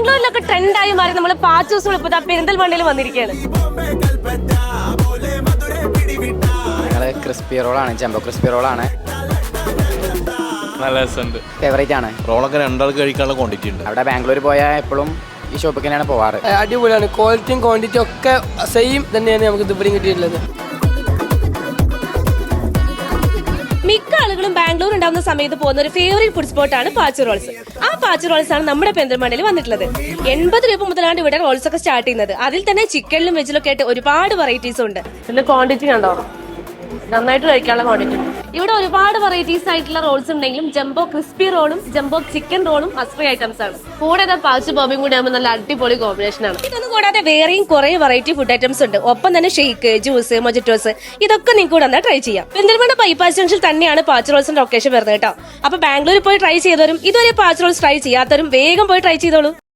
ബാംഗ്ലൂരിലൊക്കെ ട്രെൻഡായി മാറി നമ്മൾ പാച്ചൂസുകൾ ഇപ്പൊ പെരിന്തൽമണ്ണയിൽ വന്നിരിക്കുകയാണ്. ഞങ്ങള് ക്രിസ്പി റോളാണ്, ജംബോ ക്രിസ്പി റോളാണ്. നല്ല രസമുണ്ട്, ഫേവറേറ്റ് ആണ്. റോളൊക്കെ രണ്ടാൾക്ക് കഴിക്കാനുള്ള ക്വാണ്ടിറ്റി ഉണ്ട്. അവിടെ ബാംഗ്ലൂർ പോയാൽ എപ്പോഴും ഈ ഷോപ്പിൽ തന്നെയാണ് പോവാറ്. അടിപൊളിയാണ്, ക്വാളിറ്റിയും ക്വാണ്ടിറ്റിയും ഒക്കെ സെയിം തന്നെയാണ് നമുക്ക് ഇതുവരെയും കിട്ടിയിട്ടുള്ളത്. മിക്ക ആളുകളും ബാംഗ്ലൂർ ഉണ്ടാവുന്ന സമയത്ത് പോകുന്ന ഒരു ഫേവറേറ്റ് ഫുഡ് സ്പോട്ടാണ് പാച്ചു റോൾസ്. ആ പാച്ചു റോൾസ് ആണ് നമ്മുടെ പെരിന്തൽമണ്ണയിൽ വന്നിട്ടുള്ളത്. 80 രൂപ മുതലാണ് ഇവിടെ റോൾസ് ഒക്കെ സ്റ്റാർട്ട് ചെയ്യുന്നത്. അതിൽ തന്നെ ചിക്കനിലും വെജിലും ഒക്കെ ആയിട്ട് ഒരുപാട് വെറൈറ്റീസ് ഉണ്ട്. ഇതിന്റെ ക്വാണ്ടിറ്റി കണ്ടോ, നന്നായിട്ട് കഴിക്കാനുള്ള ക്വാണ്ടിറ്റി. ഇവിടെ ഒരുപാട് വെറൈറ്റീസ് ആയിട്ടുള്ള റോൾസ് ഉണ്ടെങ്കിലും ജംബോ ക്രിസ്പി റോളും ജംബോ ചിക്കൻ റോളും മസ്റ്റ് ഐറ്റംസ് ആണ്. കൂടെ പാച്ചു ബോബിയും കൂടി ആകുമ്പോൾ നല്ല അടിപൊളി കോമ്പിനേഷൻ ആണ്. ഇതൊന്നും കൂടാതെ വേറെയും കുറെ വെറൈറ്റി ഫുഡ് ഐറ്റംസ് ഉണ്ട്. ഒപ്പം തന്നെ ഷെയ്ക്ക്, ജ്യൂസ്, മൊജിറ്റോസ് ഇതൊക്കെ നിങ്ങൾക്ക് കൂടെ ട്രൈ ചെയ്യാം. പെരിന്തൽമണ്ണ ബൈപ്പാസ് ജംഗ്ഷൻ തന്നെയാണ് പാച്ചു റോൾസിന്റെ ലൊക്കേഷൻ വരുന്നത് കേട്ടോ. അപ്പൊ ബാംഗ്ലൂരിൽ പോയി ട്രൈ ചെയ്തവരും ഇതുവരെ പാച്ചു റോൾസ് ട്രൈ ചെയ്യാത്തവരും വേഗം പോയി ട്രൈ ചെയ്തോളൂ.